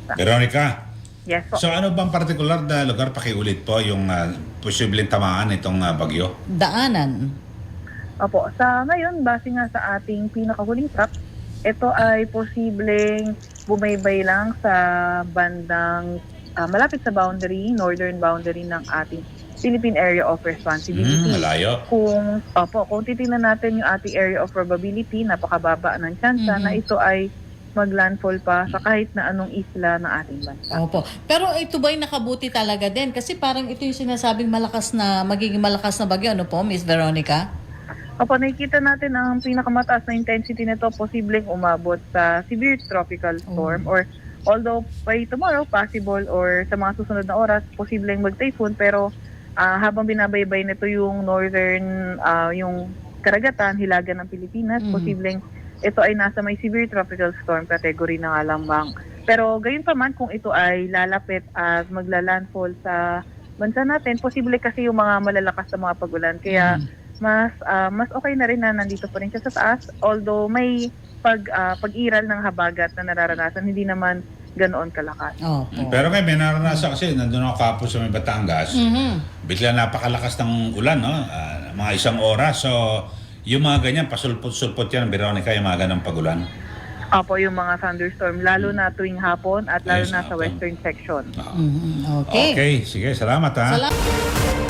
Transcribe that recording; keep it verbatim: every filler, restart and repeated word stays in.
bansa. Veronica, Yes po. so ano bang partikular na lugar, pakiulit po yung uh, posibleng tamaan itong uh, bagyo? Daanan. Opo, sa ngayon, base nga sa ating pinakahuling track, ito ay posibleng bumaybay lang sa bandang ah, malapit sa boundary, northern boundary ng ating Philippine Area of Responsibility. Hmm, malayo. Kung, opo, kung titingnan natin yung ating area of probability, napakababa ng tsansa Mhm. na ito ay maglandfall pa sa kahit na anong isla ng ating bansa. Opo. Pero ito ba'y nakabuti talaga din? Kasi parang ito yung sinasabing malakas na, magiging malakas na bagyo. Ano po, Miss Veronica? Opo, nakikita natin ang pinakamataas na intensity nito posibleng umabot sa severe tropical storm or although by tomorrow possible or sa mga susunod na oras posibleng mag-typhoon pero ah, habang binabaybay nito yung northern, ah, yung karagatan, hilaga ng Pilipinas, Mhm. posibleng ito ay nasa may severe tropical storm category na nga lamang. Pero gayon pa man kung ito ay lalapit at maglalandfall sa bansa natin, posible kasi yung mga malalakas na mga pagulan. Kaya mas ah, mas okay na rin na nandito pa rin siya sa taas. Although may pag ah, pag-iral ng habagat na nararanasan, hindi naman ganoon kalakas. Opo. Pero ngayon, may naranasan kasi, nandun ako kapos sa may Batangas, Mhm. bigla napakalakas ng ulan, no? Ah, mga isang oras. So, yung mga ganyan, pasulpot-sulpot yan, Veronica, yung mga ganang pagulan. Opo, yung mga thunderstorm, lalo na tuwing hapon at lalo Yes, na sa hapon. western section. Ah. Mhm. Okay. Okay, sige, salamat ha. Salamat.